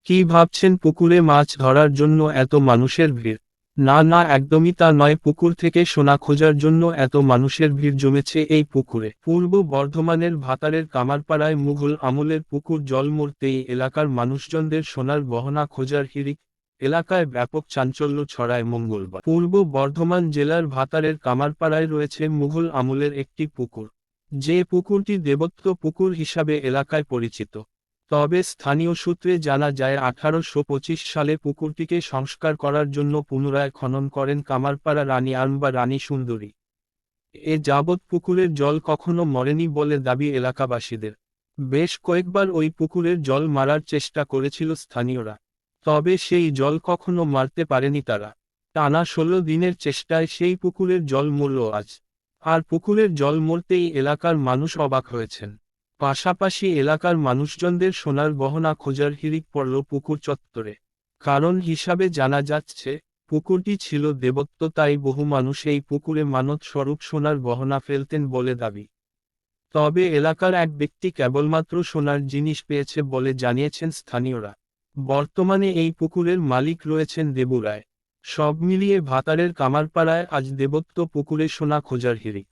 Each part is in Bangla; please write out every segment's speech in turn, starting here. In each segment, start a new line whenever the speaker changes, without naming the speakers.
কি ভাবছেন পুকুরে মাছ ধরার জন্য এত মানুষের ভিড়? না না, একদমই তা নয়। পুকুর থেকে সোনা খোঁজার জন্য এত মানুষের ভিড় জমেছে এই পুকুরে। পূর্ব বর্ধমানের ভাতারের কামারপাড়ায় মুঘল আমলের পুকুর জল মরতেই এলাকার মানুষজনদের সোনার গহনা খোঁজার হিড়িক। এলাকায় ব্যাপক চাঞ্চল্য ছড়ায় মঙ্গলবার। পূর্ব বর্ধমান জেলার ভাতারের কামারপাড়ায় রয়েছে মুঘল আমলের একটি পুকুর। যে পুকুরটি দেবত্ব পুকুর হিসাবে এলাকায় পরিচিত। তবে স্থানীয় সূত্রে জানা যায় 1825 সালে পুকুরটিকে সংস্কার করার জন্য পুনরায় খনন করেন কামারপাড়া রানী আর্ম বা রানী সুন্দরী। এ যাবৎ পুকুরের জল কখনো মরেনি বলে দাবি এলাকাবাসীদের। বেশ কয়েকবার ওই পুকুরের জল মারার চেষ্টা করেছিল স্থানীয়রা। তবে সেই জল কখনো মারতে পারেনি তারা। টানা 16 দিনের চেষ্টায় সেই পুকুরের জল মরল আজ। আর পুকুরের জল মরতেই এলাকার মানুষ অবাক হয়েছেন। পাশাপাশি এলাকার মানুষজনদের সোনার গহনা খোঁজার হিড়িক পড়ল পুকুর চত্বরে। কারণ হিসাবে জানা যাচ্ছে, পুকুরটি ছিল দেবত্ব, তাই বহু মানুষ এই পুকুরে মানত স্বরূপ সোনার গহনা ফেলতেন বলে দাবি। তবে এলাকার এক ব্যক্তি কেবলমাত্র সোনার জিনিস পেয়েছে বলে জানিয়েছেন স্থানীয়রা। বর্তমানে এই পুকুরের মালিক রয়েছেন দেবু রায়। সব মিলিয়ে ভাতারের কামারপাড়ায় আজ দেবত্ব পুকুরে সোনা খোঁজার হিড়িক।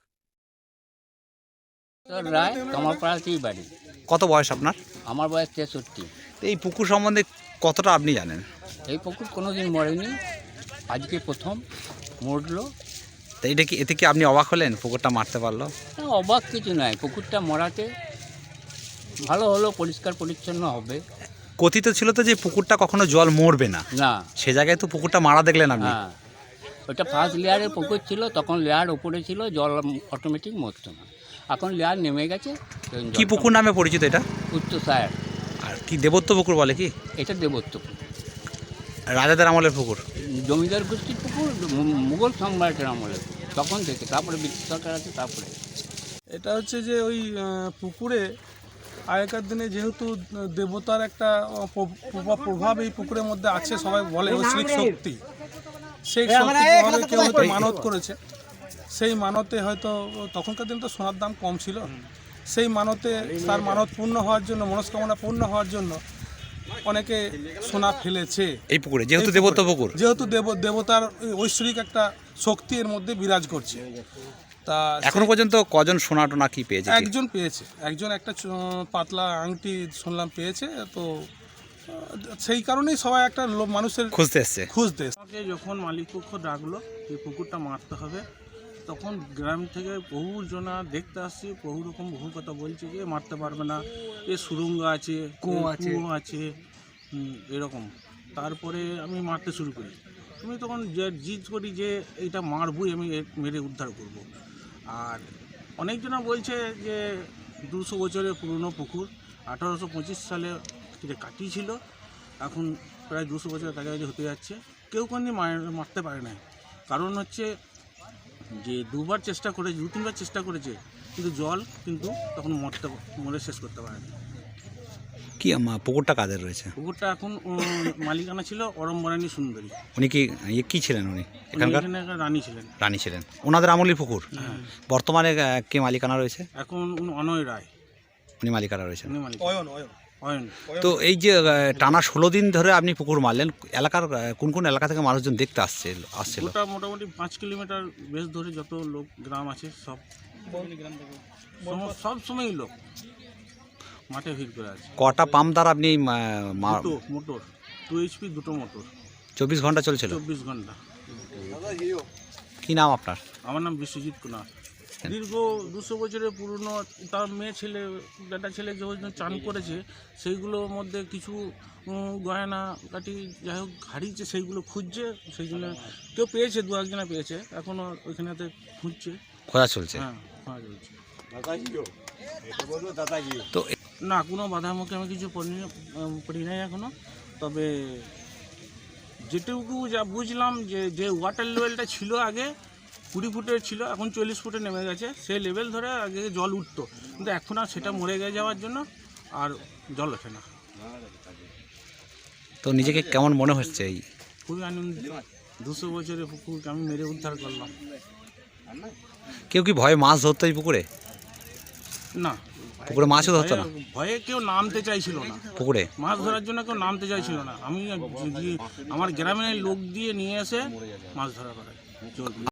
রায় কামারপাড়াতেই বাড়ি।
কত বয়স আপনার?
আমার বয়স 63।
তো এই পুকুর সম্বন্ধে কতটা আপনি জানেন?
এই পুকুর কোনোদিন মরেনি, আজকে প্রথম মরলো।
তো এটা কি, এতে কি আপনি অবাক হলেন পুকুরটা মারতে পারলো?
না, অবাক কিছু নয়, পুকুরটা মরাতে ভালো হলো, পরিষ্কার পরিচ্ছন্ন হবে।
কথিত ছিল তো যে পুকুরটা কখনো জল মরবে না,
না,
সে জায়গায় তো পুকুরটা মারা দেখলেন আপনি।
হ্যাঁ, ওটা ফার্স্ট লেয়ারের পুকুর ছিল, তখন লেয়ার উপরে ছিল, জল অটোমেটিক মরতো না। এখন লেয়ার নেমে গেছে।
কি পুকুর নামে পরিচিত এটা?
উচ্চসায়ার।
আর কি দেবত্ব পুকুর বলে কি?
এটা দেবত্ব পুকুর,
রাজাদের আমলের পুকুর।
জমিদার গোষ্ঠীর পুকুর, মুঘল সম্রাটের আমলে তখন থেকে, তারপরে ব্রিটিশ সরকার আছে, তারপরে।
এটা হচ্ছে যে ওই পুকুরে আগেকার দিনে যেহেতু দেবতার একটা প্রভাব এই পুকুরের মধ্যে আছে, সবাই বলে ঐশ্বরিক শক্তি, সেই শক্তি প্রভাবে কেউ হয়তো মানত করেছে। সেই মানতে হয়তো তখনকার দিনে তো সোনার দাম কম ছিল, সেই মানতে তার মানত পূর্ণ হওয়ার জন্য, মনস্কামনা পূর্ণ হওয়ার জন্য অনেকে সোনা ফেলেছে
এই পুকুরে, যেহেতু দেবত্ব পুকুর,
যেহেতু দেবতার ঐশ্বরিক একটা শক্তি এর মধ্যে বিরাজ করছে। তা
এখনো পর্যন্ত কজন সোনা টোনা কি পেয়েছে?
একজন পেয়েছে, একজন একটা পাতলা আংটি শুনলাম পেয়েছে। তো সেই কারণেই সবাই একটা মানুষের
খুঁজতে এসছে।
আমাকে যখন মালিকপক্ষ ডাকলো এই পুকুরটা মারতে হবে, তখন গ্রাম থেকে বহু জনা দেখতে আসছে, বহু কথা বলছে যে মারতে পারবে না, এ সুরঙ্গ আছে, কুয়ো আছে, এরকম। তারপরে আমি মারতে শুরু করি, আমি তখন যে জিদ করি যে এইটা মারবই, আমি মেরে উদ্ধার করব। আর অনেকজনা বলছে যে 200 বছরের পুরনো পুকুর, 1825 সালে কাটিয়েছিল, এখন প্রায় 200 বছরের কাছাকাছি হতে যাচ্ছে। কেউ কোনোদিন মারতে পারে না। কারণ হচ্ছে যে 2-3বার চেষ্টা করেছে, কিন্তু জল কিন্তু তখন মরে শেষ করতে পারেনি।
কি পুকুরটা কাদের রয়েছে?
পুকুরটা এখন মালিকানা ছিল অরম্বরানী সুন্দরী।
উনি কি কি ছিলেন? উনি এখানকার
রানী ছিলেন।
রানী ছিলেন, ওনাদের আমলের পুকুর। বর্তমানে কে মালিকানা রয়েছে?
এখন অনয় রায়
উনি মালিকানা রয়েছেন।
অয়ন।
তো এই যে টানা 16 দিন ধরে আপনি পুকুর মারলেন, এলাকার কোন কোন এলাকা থেকে মানুষজন দেখতে আসছিল?
ওটা মোটামুটি 5 কিলোমিটার বেশ ধরে যত লোক গ্রাম আছে সব সময়ই লোক মাঠে ভিড় করে আছে।
কটা পাম্প দ্বারা আপনি
মোটর 2 HP দুটো মোটর
24 ঘন্টা চলছিল?
24 ঘন্টা।
কি নাম আপনার?
আমার নাম বিশ্বজিৎ কুমার। দীর্ঘ 200 বছরের পুরনো, তার বেটা ছেলে যে চান করেছে, সেইগুলোর মধ্যে কিছু গয়না কাটি যাই হোক হারিয়েছে, সেইগুলো খুঁজছে। সেই জন্য কেউ পেয়েছে, 2-1 পেয়েছে, এখনও ওইখানেতে খুঁজছে,
খোঁজা চলছে।
হ্যাঁ, খোঁজা চলছে।
তো
না, কোনো বাধার মুখে আমি কিছু পড়ি নাই এখনও। তবে যেটুকু যা বুঝলাম যে ওয়াটার লেভেলটা ছিল আগে 20 ফুটের ছিল, এখন 40 ফুটে নেমে গেছে। সেই লেভেল ধরে আগে জল উঠতো, কিন্তু এখন আর সেটা মরে গিয়ে যাওয়ার জন্য আর জল ওঠে না।
তো নিজেকে কেমন মনে হচ্ছে? এই
খুবই আনন্দিত, 200 বছরের পুকুরকে আমি মেরে উদ্ধার করলাম।
কেউ কি ভয়ে মাছ ধরতো এই পুকুরে?
না,
পুকুরে মাছও ধরতো না?
ভয়ে কেউ নামতে চাইছিল না,
পুকুরে
মাছ ধরার জন্য কেউ নামতে চাইছিল না। আমি আমার গ্রামের লোক দিয়ে নিয়ে এসে মাছ ধরা করাই।